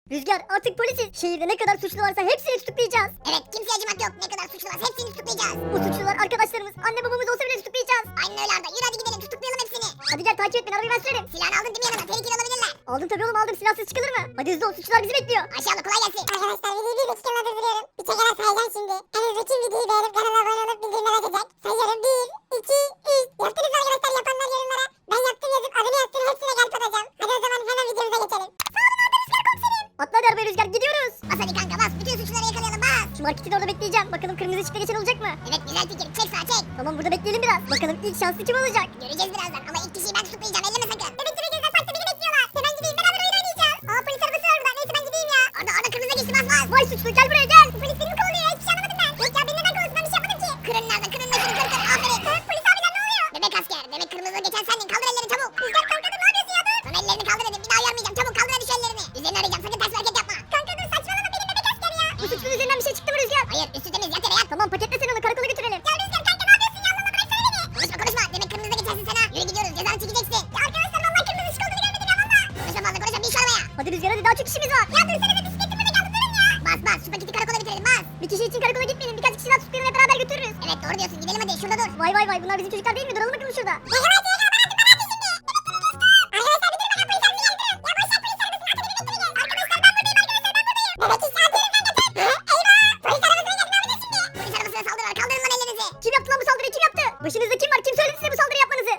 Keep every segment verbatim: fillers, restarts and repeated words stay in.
Rüzgar artık polisiz. Şehirde ne kadar suçlu varsa hepsini tutuklayacağız. Evet, kimseye acımak yok. Ne kadar suçlu varsa hepsini tutuklayacağız. Bu suçlular arkadaşlarımız, anne babamız olsa bile tutuklayacağız. Aynen öyle Arda. Yürü hadi gidelim, tutuklayalım hepsini. Hadi gel takip et beni, arabayı ben sürerim. Silahını aldın değil mi yanına? Tehlikeli olabilirler. Aldım tabii oğlum, aldım, silahsız çıkılır mı? Hadi hızlı ol, suçlular bizi bekliyor. Ayşe abla kolay gelsin. Arkadaşlar videoyu bir dakika durduruyorum. Bir tekrar sayacağım şimdi. En hızlı kim videoyu beğenip kanala abone olup bildirimleri açacak. Sayıyorum bir, iki, üç. Yaptınız arkadaşlar, yapanlar yorumlara. Ben yaptım yazıp adını yazsın, hepsine gelip atacağım. Hadi o zaman hemen videomuza geçelim. Atla hadi arabaya Rüzgar, gidiyoruz. Bas hadi kanka bas. Bütün suçluları yakalayalım bas. Şu marketin orada bekleyeceğim. Bakalım kırmızı ışıkta geçen olacak mı? Evet güzel fikir. Çek sağa çek. Tamam, burada bekleyelim biraz. Bakalım ilk şanslı kim olacak? Göreceğiz birazdan ama ilk kişiyi ben tutuklayacağım. Elleme sakın. Bebek bebek gözler parkta bizi bekliyorlar. Hemen gideyim, beraber oyun oynayacağız. Aa, polis arabası var burada. Neyse ben gideyim ya. Arda Arda kırmızı geçti, bas bas. Vay suçlu, gel buraya gel. Bu polis beni mi kovalıyor ya? Hiçbir şey anlamadım ben. Yok ya, beni neden kovalıyorsun? Ben bir şey yapmadım ki. Kırın nerede? Kırın meşini kır kır. Aferin. Ha, polis abiler ne oluyor? Bebek asker. Demek kırmızı geçen sendin. Kaldır ellerini çabuk. Rüzgar kanka dur, ne yapıyorsun ya dur. Sana ellerini kaldır dedim. Bir daha uyarmayacağım. Çabuk kaldır hadi şu ellerini. Üzerini arayacağım. Sakın ters bir hareket yapma. Kanka dur, saçmalama, benim bebek asker ya. Bu suçlunun üzerinden bir şey çıktı mı Rüzgar? Hayır, üstü temiz, yat yere yat. Tamam, paketle sen onu, karakola götürelim. Ya Rüzgar kanka ne yapıyorsun ya? Allah Allah, bıraksana beni. Konuşma konuşma. Demek kırmızıda geçersin sen ha. Yürü gidiyoruz. Cezanı çekeceksin. Ya arkadaşlar vallahi kırmızı ışık olduğunu görmedim ya valla. Konuşma fazla konuşma. Bin şu arabaya. Hadi Rüzgar, hadi, daha çok işimiz var. Ya dursana da bisikletimi de kaldı, durun ya. Bas bas. Şu paketi karakola bitirelim bas. Bir kişi için karakola gitmeyelim, birkaç kişi daha tutuklayalım, hep beraber götürürüz. Evet doğru diyorsun. Gidelim hadi. Şurada dur. Vay vay vay, bunlar bizim çocuklar değil mi? Duralım bakalım şurada. Polis arabasına saldırılar. Kaldırın lan ellerinizi. Kim yaptı lan bu saldırıyı, kim yaptı? Başınızda kim var? Kim söyledi size bu saldırı yapmanızı?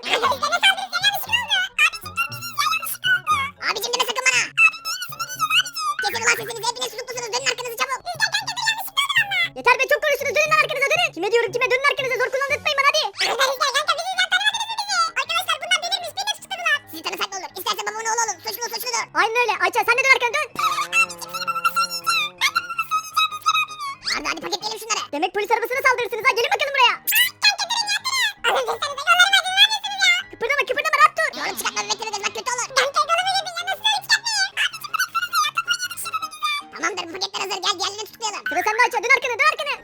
Abicim deme sakın bana. Kesin ulan sesinizi. Hepiniz tutuklusunuz. Dönün arkanızı çabuk. Yeter be, çok konuştunuz, dönün lan arkanıza, dönün. Kime diyorum, kime? Dönün arkanıza, zor kullandırtmayın bana, hadi. Arkadaşlar bunlar delirmiş. Beni tutukladılar. Sizi tanısak ne olur? İsterse babamın oğlu olun. Suçlu suçludur. Aynen öyle. Ayça sen de dön arkana, dön. Arda hadi paketleyelim şunları. Demek polis arabasına saldırırsınız ha, gelin bakalım buraya. Kıpırdama kıpırdama, rahat dur. Yorum çıkartma bebekleri gezmek kötü olur. Tamamdır bu paketler hazır. Gel diğerlerini tutuklayalım. Sıra sende Ayça, dön arkana, dön arkana.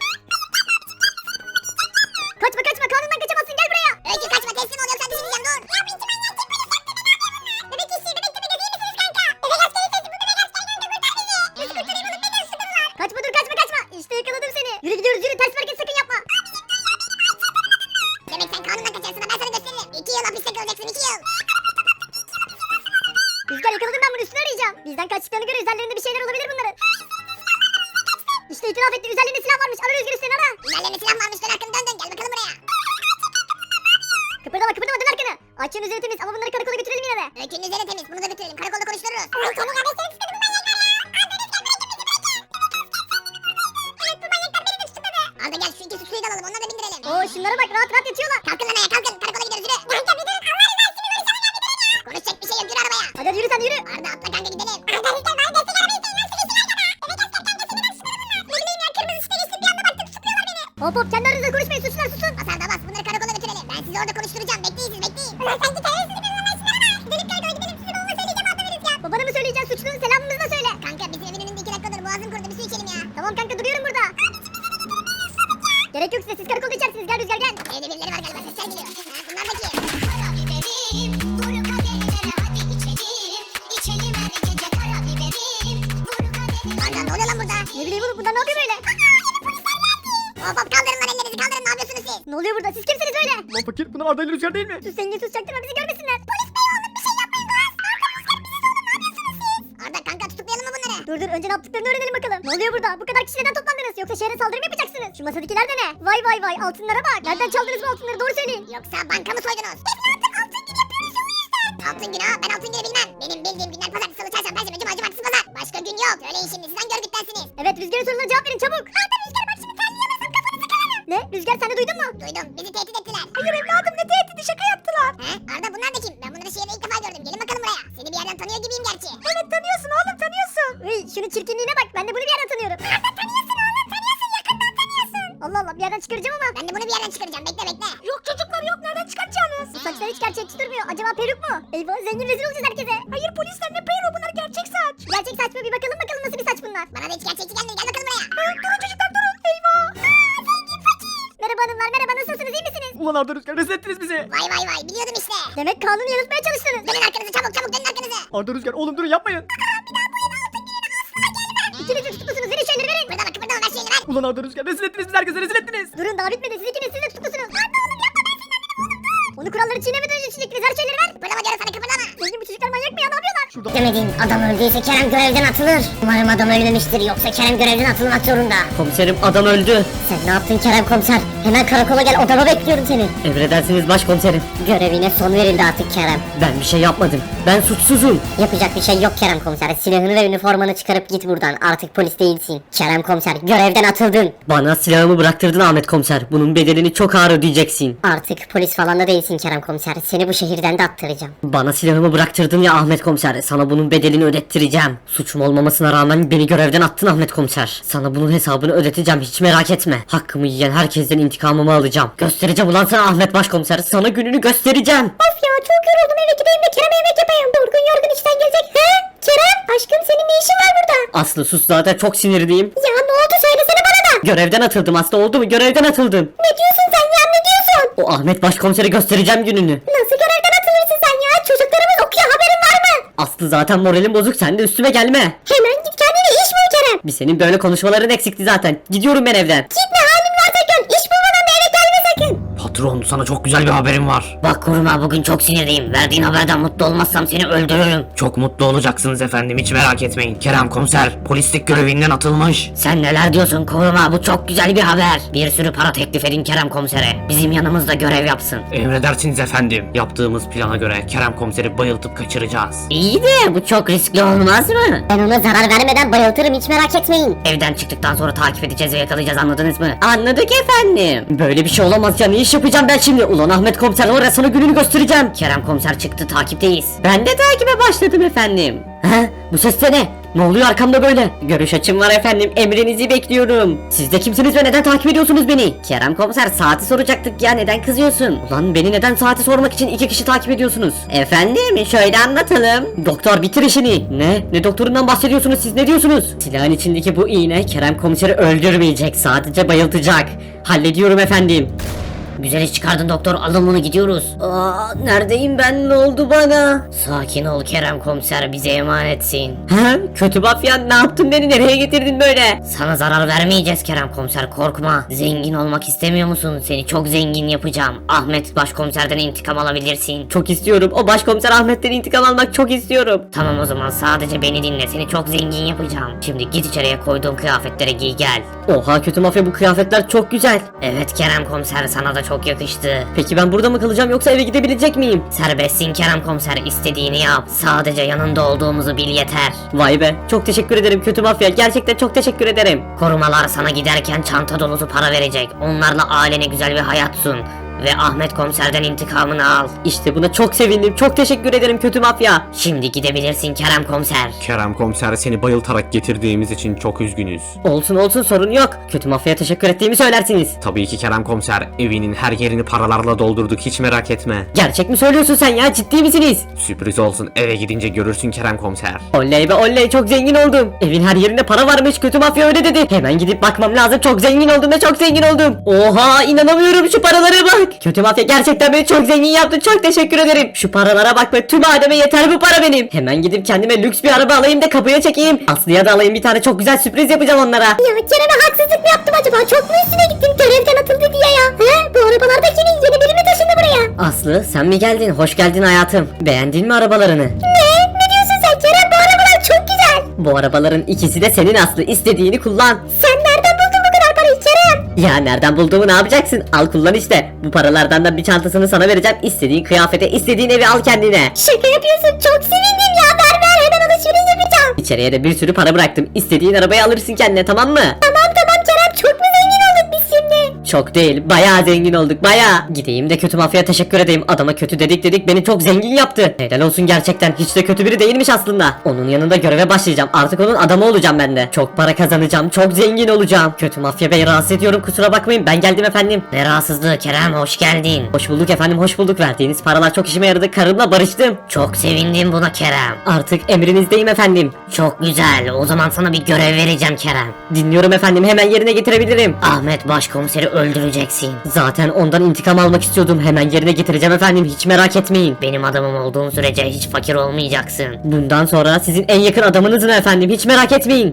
Kaçma kaçma, kanundan kaçamazsın, gel buraya. Öykü kaçma, teslim ol yoksa düşüreceğim dur. Ya bu içim manyak kim polis yaptı, beni yapıyor bunlar. Bebek işi, bebek bebek iyi misiniz kanka? Bebek askeri sesi, bu bebek askeri nerede, kurtar bizi. Bizi kurtarayım oğlum, beni tutukladılar. Kaçma dur, kaçma kaçma. İşte yakaladım seni. Yürü gidiyoruz, yürü, ters bir hareket sakın yapma. Demek sen kanundan kaçarsın ha, ben sana gösteririm. İki yıl hapiste kalacaksın, iki yıl. Rüzgar, yakaladım ben bunu, üstüne arayacağım. Bizden kaçtıklarını göre üzerlerinde bir şeyler olabilir bunların. İşte itiraf etti, üzerlerinde silah varmış. Ara Rüzgar, üstüne ara. Üzerlerine silah varmış, dön arkanı dön dön, gel bakalım buraya. Kıpırdama kıpırdama, dön arkana. Ayça'nın üzeri temiz ama bunları karakola götürelim yine de. Öykünün üzeri temiz, bunu da götürelim, karakolda konuştururuz. Arda gel şu iki suçluyu da alalım, onları da bindirelim. Oo, şunlara bak, rahat rahat yatıyorlar. Kalkın lan ayağa, kalkın, karakola gidiyoruz yürü. Kanka bir durun, Allah rızası için konuşalım ya, bir durun ya. Konuşacak bir şey yok, yürü arabaya. Hadi hadi, yürü sen, yürü. Arda atla kanka gidelim. Arda Rüzgar bana destek arabayı sayın, nasıl geçsin arkada? Bebek asker kanka, şimdi bak şunları bunlar. Ne bileyim ya, kırmızı ışıkta geçtim, bir anda baktım tutukluyorlar beni. Hop hop, kendi aranızda konuşmayın, suçlular susun. Bas Arda bas, bunları karakola götürelim. Ben sizi orada konuşturacağım, bekleyin siz bekleyin. Ulan sanki terörsüz bir zaman işine bak. Gidelim karakola gidelim, sizi babama söyleyeceğim, Arda ve Rüzgar. Babana mı söyleyeceksin, suçlunun selamımızı da söyle. Kanka bizim evin önünde iki dakikadır boğazım kurudu, bir su içelim ya. Tamam kanka, duruyorum burada. Gerek yok size, siz karakolda içersiniz, gel Rüzgar gel. Evde birileri var galiba, sesler geliyor. Ha, bunlar da kim? Arda ne oluyor lan burada? Ne bileyim oğlum, bunlar ne yapıyor böyle? Hop hop kaldırın lan ellerinizi, kaldırın, ne yapıyorsunuz siz? Ne oluyor burada, siz kimsiniz öyle? Lan fakir, bunlar Arda ile Rüzgar değil mi? Sus zengin, sus, çaktırma, bizi görmesinler. Polis Arda kanka tutuklayalım mı bunları? dur dur, önce ne yaptıklarını öğrenelim bakalım. Ne oluyor burada, bu kadar kişi neden toplandınız? Yoksa şehre saldırı mı yapacaksınız? Şu masadakiler de ne? Vay vay vay, altınlara bak. Nereden çaldınız bu altınları, doğru söyleyin. Yoksa banka mı soydunuz? Biz artık altın gün yapıyoruz o yüzden. Altın günü ha, ben altın günü bilmem. Benim bildiğim günler pazartesi, salı, çarşamba, perşembe, cuma, cumartesi, pazar. Başka gün yok. Söyleyin şimdi, siz hangi örgüttensiniz? Evet, Rüzgar'ın soruna cevap verin çabuk. Arda, Rüzgar bak şimdi terleyemezsem kafanızı kırarım. Ne? Rüzgar sen de duydun mu? Duydum, bizi tehdit ettiler. Hayır evladım, ne tehdidi, şaka yaptılar. He? Arda bunlar da kim? Ben bunları şehirde ilk defa gördüm. Gelin bakalım buraya. Seni bir yerden tanıyor gibiyim gerçi. Evet tanıyorsun oğlum, tanıyorsun. Uy, şunun çirkinliğine bak, ben de bunu bir yerden tanıyorum. Arda tanıyorsun oğlum, tanıyorsun, yakından tanıyorsun. Allah Allah, bir yerden çıkaracağım ama. Ben de bunu bir yerden çıkaracağım. Bekle bekle. Yok çocuklar yok, nereden çıkaracaksınız? Bu saçlar hiç gerçekçi durmuyor. Acaba peruk mu? Eyvah, zengin rezil olacağız herkese. Hayır polisler, ne peruğu, bunlar gerçek saç. Gerçek saç mı? Bir bakalım bakalım nasıl bir saç bunlar. Bana da hiç gerçekçi gelmedi. Gel bakalım buraya. Durun çocuklar, durun. Eyvah. Zengin fakir. Merhaba hanımlar, merhaba, nasılsınız, iyi misiniz? Ulan Arda, Rüzgar rezil ettiniz bizi. Vay vay vay. Biliyordum işte. Demek kanunu yanıltmaya çalıştınız. Dönün arkanızı çabuk çabuk dönün arkanızı. Arda, Rüzgar oğlum durun, yapmayın. Ulan Arda Rüzgar rezil ettiniz bizi, herkese rezil ettiniz. Durun daha bitmedi. Siz ikiniz siz de tutuklusunuz. Arda oğlum yapma, ben senin anneni buldum. Onu kuralları çiğnemeden önce çiğnettiniz. Her şeyleri ver. Kıpırdama diyorum sana, kıpırdama. Zengin bu çocuklar manyak mı ya, ne yapıyorlar? Şurada Demedin, adam öldüyse Kerem görevden atılır. Umarım adam ölmemiştir, yoksa Kerem görevden atılmak zorunda. Komiserim adam öldü. Sen ne yaptın Kerem komiser? Hemen karakola gel, odama bekliyorum seni. Emredersiniz başkomiserim. Görevine son verildi artık Kerem. Ben bir şey yapmadım. Ben suçsuzum. Yapacak bir şey yok Kerem komiser. Silahını ve üniformanı çıkarıp git buradan. Artık polis değilsin. Kerem komiser, görevden atıldın. Bana silahımı bıraktırdın Ahmet komiser. Bunun bedelini çok ağır ödeyeceksin. Artık polis falan da değilsin Kerem komiser. Seni bu şehirden de attıracağım. Bana silahımı bıraktırdın ya Ahmet komiser. Sana bunun bedelini ödettireceğim. Suçum olmamasına rağmen beni görevden attın Ahmet komiser. Sana bunun hesabını ödeteceğim, hiç merak etme. Hakkımı yiyen herkesten intikamımı alacağım. Göstereceğim ulan sana Ahmet başkomiser. Sana gününü göstereceğim. Of ya, çok yoruldum, eve gideyim de Kerem'e yemek yapayım. Durgun yorgun işten gelecek. He? Kerem, aşkım senin ne işin var burada? Aslı sus, zaten çok sinirliyim. Ya ne oldu, söylesene bana da. Görevden atıldım Aslı, oldu mu? Görevden atıldım. Ne diyorsun sen ya, ne diyorsun? O Ahmet başkomisere göstereceğim gününü. Nasıl görevden atılırsın sen ya? Çocuklarımız okuyor, haberin var mı? Aslı zaten moralim bozuk, sen de üstüme gelme. Hemen git, kendine iş bul Kerem. Bir senin böyle konuşmaların eksikti zaten. Gidiyorum ben evden. Git, ne halin varsa gör. İş bulmadan da eve gelme sakın. Patron, sana çok güzel bir haberim var. Bak koruma, bugün çok sinirliyim. Verdiğin haberden mutlu olmazsam seni öldürürüm. Çok mutlu olacaksınız efendim, hiç merak etmeyin. Kerem komiser polislik görevinden atılmış. Sen neler diyorsun koruma, bu çok güzel bir haber. Bir sürü para teklif edin Kerem komisere. Bizim yanımızda görev yapsın. Emredersiniz efendim. Yaptığımız plana göre Kerem komiseri bayıltıp kaçıracağız. İyi de bu çok riskli olmaz mı? Ben ona zarar vermeden bayıltırım, hiç merak etmeyin. Evden çıktıktan sonra takip edeceğiz ve yakalayacağız, anladınız mı? Anladık efendim. Böyle bir şey olamaz ya, ne iş yapacağım ben şimdi? Ulan Ahmet komiser var ya, sana gününü göstereceğim. Kerem komiser çıktı, takipteyiz. Ben de takibe başladım efendim. He? Bu ses de ne? Ne oluyor arkamda böyle? Görüş açım var efendim, emrinizi bekliyorum. Siz de kimsiniz ve neden takip ediyorsunuz beni? Kerem komiser, saati soracaktık ya, neden kızıyorsun? Ulan beni neden saati sormak için iki kişi takip ediyorsunuz? Efendim şöyle anlatalım. Doktor bitir işini. Ne? Ne doktorundan bahsediyorsunuz siz, ne diyorsunuz? Silahın içindeki bu iğne Kerem komiseri öldürmeyecek, sadece bayıltacak. Hallediyorum efendim. Güzel iş çıkardın doktor, alın bunu, gidiyoruz. Aa, neredeyim ben, ne oldu bana? Sakin ol Kerem komiser, bize emanetsin. He? Kötü mafyan, ne yaptın, beni nereye getirdin böyle? Sana zarar vermeyeceğiz Kerem komiser, korkma. Zengin olmak istemiyor musun? Seni çok zengin yapacağım. Ahmet başkomiserden intikam alabilirsin. Çok istiyorum, o başkomiser Ahmet'ten intikam almak çok istiyorum. Tamam, o zaman sadece beni dinle, seni çok zengin yapacağım. Şimdi git içeriye, koyduğum kıyafetlere giy gel. Oha kötü mafya, bu kıyafetler çok güzel. Evet Kerem komiser, sana da çok yakıştı. Peki ben burada mı kalacağım yoksa eve gidebilecek miyim? Serbestsin Kerem komiser, istediğini yap. Sadece yanında olduğumuzu bil yeter. Vay be, çok teşekkür ederim kötü mafya, gerçekten çok teşekkür ederim. Korumalar sana giderken çanta dolusu para verecek. Onlarla ailene güzel bir hayat sun. Ve Ahmet komiserden intikamını al. İşte buna çok sevindim, çok teşekkür ederim kötü mafya. Şimdi gidebilirsin Kerem komiser. Kerem komiser, seni bayıltarak getirdiğimiz için çok üzgünüz. Olsun olsun, sorun yok. Kötü mafyaya teşekkür ettiğimi söylersiniz. Tabii ki Kerem komiser, evinin her yerini paralarla doldurduk, hiç merak etme. Gerçek mi söylüyorsun sen ya, ciddi misiniz? Sürpriz olsun, eve gidince görürsün Kerem komiser. Oley be oley, çok zengin oldum. Evin her yerinde para varmış, kötü mafya öyle dedi. Hemen gidip bakmam lazım, çok zengin oldum ve çok zengin oldum. Oha, inanamıyorum, şu paralara bak. Kötü mafya gerçekten beni çok zengin yaptı, çok teşekkür ederim. Şu paralara bak be, tüm ademe yeter bu para benim. Hemen gidip kendime lüks bir araba alayım da kapıya çekeyim. Aslı'ya da alayım, bir tane çok güzel sürpriz yapacağım onlara. Ya Kerem'e haksızlık mı yaptım acaba? Çok mu üstüne gittim, görevden atıldı diye ya? He? Bu arabalarda kimin? Yeni biri mi taşındı buraya? Aslı sen mi geldin? Hoş geldin hayatım. Beğendin mi arabalarını? Ne? Ne diyorsun sen Kerem? Bu arabalar çok güzel. Bu arabaların ikisi de senin Aslı, istediğini kullan. Sen nereden buldun bu kadar parayı Kerem? Ya nereden bulduğumu ne yapacaksın? Al kullan işte. Bu paralardan da bir çantasını sana vereceğim. İstediğin kıyafete, istediğin evi al kendine. Şaka yapıyorsun, çok sevindim ya. Ver ver, hemen alışveriş yapacağım. İçeriye de bir sürü para bıraktım. İstediğin arabayı alırsın kendine, tamam mı? Tamam tamam Kerem, çok mu zengin olduk biz şimdi? Çok değil, bayağı zengin olduk, bayağı. Gideyim de kötü mafyaya teşekkür edeyim. Adama kötü dedik dedik beni çok zengin yaptı. Helal olsun gerçekten, hiç de kötü biri değilmiş aslında. Onun yanında göreve başlayacağım, artık onun adamı olacağım ben de. Çok para kazanacağım, çok zengin olacağım. Kötü mafya bey, rahatsız ediyorum, kusura bakmayın, ben geldim efendim. Ne rahatsızlığı Kerem, hoş geldin. Hoş bulduk efendim, hoş bulduk. Verdiğiniz paralar çok işime yaradı, karımla barıştım. Çok sevindim buna Kerem. Artık emrinizdeyim efendim. Çok güzel, o zaman sana bir görev vereceğim Kerem. Dinliyorum efendim, hemen yerine getirebilirim. Ahmet başkomiseri öldüreceksin. Zaten ondan intikam almak istiyordum, hemen yerine getireceğim efendim, hiç merak etmeyin. Benim adamım olduğun sürece hiç fakir olmayacaksın. Bundan sonra sizin en yakın adamınızım efendim, hiç merak etmeyin.